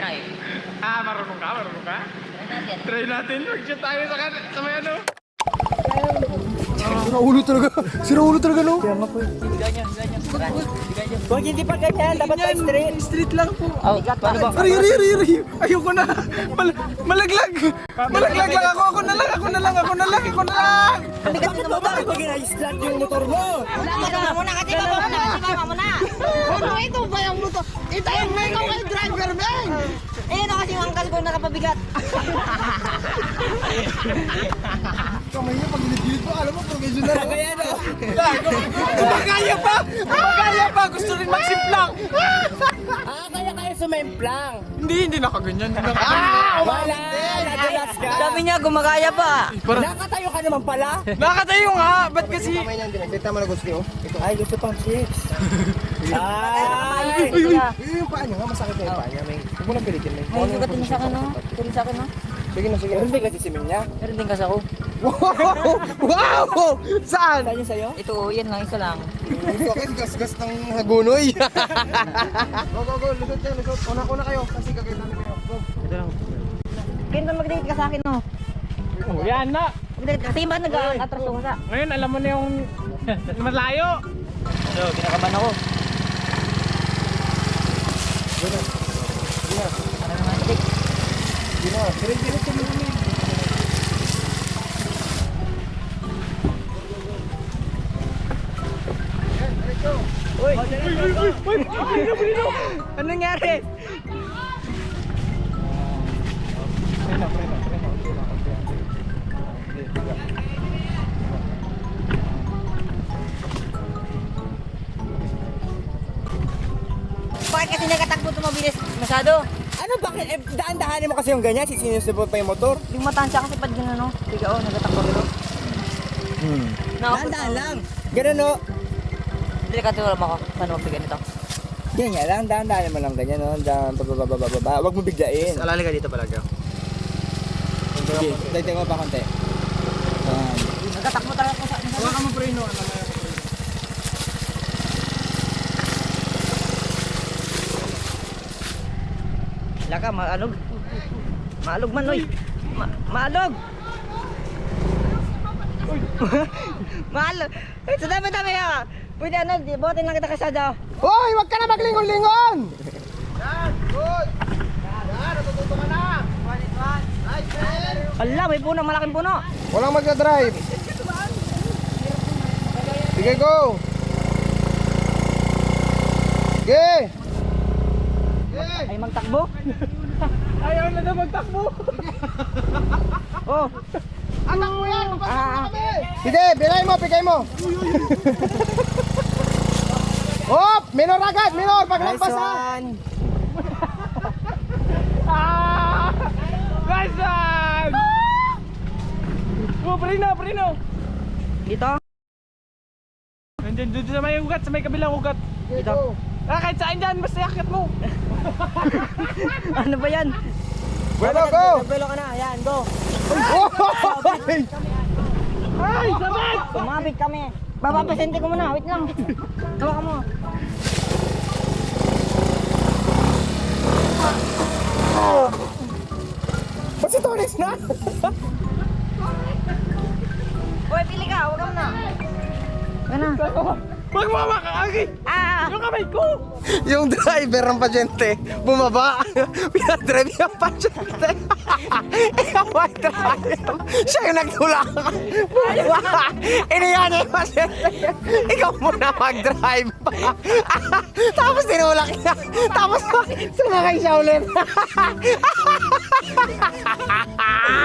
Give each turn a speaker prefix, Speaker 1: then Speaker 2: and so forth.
Speaker 1: drive.
Speaker 2: Marunong ka? Marunong ka?
Speaker 1: Try natin.
Speaker 2: Try natin. Mag-shoot tayo sa may ano.
Speaker 3: Sira ulo talaga. Sira ulo talaga, no?
Speaker 1: Higa nyo. Tara, higa nyo.
Speaker 4: Huwag hindi pa ganyan, dapat pa straight.
Speaker 3: Street lang po.
Speaker 1: Oh, paano ba?
Speaker 3: Ari. Ayoko na. Malaglag. Malaglag lang ako. Ako na lang.
Speaker 4: Bakit mo ba pag ina-start yung motor mo?
Speaker 1: Baba muna kasi baba muna.
Speaker 5: Ito ba yung luto? Ito yung may ikaw kay driver, man!
Speaker 1: Eh, ano kasi yung angkal ko nakapabigat.
Speaker 3: Kamay niya, pag gilid-gilid mo, alam mo, professional.
Speaker 4: Kaya no?
Speaker 3: Magaya pa. Gusto rin magsimplang.
Speaker 4: Kaya sumemplang.
Speaker 3: Hindi nakaganyan.
Speaker 4: Wala, nadulas ka.
Speaker 1: Sabi niya, gumagaya pa.
Speaker 4: Nakatayo ka naman pala.
Speaker 3: Nakatayo nga. Ba't kasi?
Speaker 6: Kamay niyan din. Kita mo na gusto niyo.
Speaker 4: Ay, gusto pang chips. Ay!
Speaker 6: Yung paa niya nga, masakit na yung paa niya. Huwag mo lang pilitin.
Speaker 1: May sugat din sa akin, no? Tuloy sa akin, no?
Speaker 6: Sige na.
Speaker 4: Meron din kasi simin niya.
Speaker 1: Meron din kasi ako.
Speaker 3: Wow! Saan?
Speaker 4: Saan yung sa'yo?
Speaker 1: Ito, yan lang, isa lang.
Speaker 6: Gusto kasi gas-gas ng hagunoy. Go. Lusot. Una kayo. Kasi gagawin namin kayo. Go.
Speaker 1: Kaya mag-date ka sa akin, no?
Speaker 2: Oh, yan na.
Speaker 1: Mag-date ka. Sige ba nag-atraso ka sa?
Speaker 2: Ngayon, alam mo na yung malayo.
Speaker 1: So, kinakaban ako. Ano naman, date?
Speaker 6: Diretso mo namin.
Speaker 4: Anong nangyari?
Speaker 1: Bakit kasi nagkatakbo ito mabilis? Masyado.
Speaker 4: Ano bakit? Daan-dahanin mo kasi yung ganyan, sinusubot pa yung motor.
Speaker 1: Yung matansya kasi pag gano'n, no? Tiga, oh, nagkatakbo rin, no?
Speaker 4: Daan-dahan lang. Ganun no?
Speaker 1: Hindi ka tulad ako. Paano magbigan ito?
Speaker 4: Ganyan lang, daan-dahanin mo lang ganyan no? Daan, bababa. Huwag mo biglain.
Speaker 6: Alali ka dito palaga.
Speaker 4: Sige, dagdag mo pa konti.
Speaker 1: Nagkatakbo talaga ako sa...
Speaker 2: Wala ka mo preno.
Speaker 1: Wala ka, maalog. Maalog man, oy. Maalog! Maalog! Eh, sa dami-dami ka! Pwede ano, botin lang kita kasada.
Speaker 3: Hoy, wag ka na maglingon-lingon!
Speaker 1: Ala, may puno, malaking puno.
Speaker 3: Walang magdadrive. Sige, go! Sige!
Speaker 1: Ay, magtakbo.
Speaker 2: Ayaw na daw magtakbo.
Speaker 1: Oh,
Speaker 3: Anak mo yan! Sige, bigay mo! Hop! Minor agad! Minor! Paglampas ha!
Speaker 2: Nice one! Oh, preno.
Speaker 1: dito.
Speaker 2: Nandiyan doon sa may ugat, sa may kabilang ugat.
Speaker 1: Dito.
Speaker 2: Kahit saan dyan, basta yakit mo.
Speaker 1: Ano ba yan?
Speaker 3: Bueno, go!
Speaker 4: Nagbelo ka na, ayan, go.
Speaker 2: Ay, sabit!
Speaker 1: Sumabit kami. Babapasente ko muna, wait lang. Tawa ka mo.
Speaker 3: Ba't si Tones na?
Speaker 1: Uy, pili ka, huwag ka muna. Gana.
Speaker 2: Wag mo makakagi! Yung kamay ko!
Speaker 3: Yung driver ng pasyente, bumaba. Pinadrive yung pasyente. Ikaw ay driver. Siya yung nagtulak. Bumaba. Iniyan niya yung pasyente. Ikaw muna mag-drive. Tapos tinulak niya. Tapos sumakay siya ulit.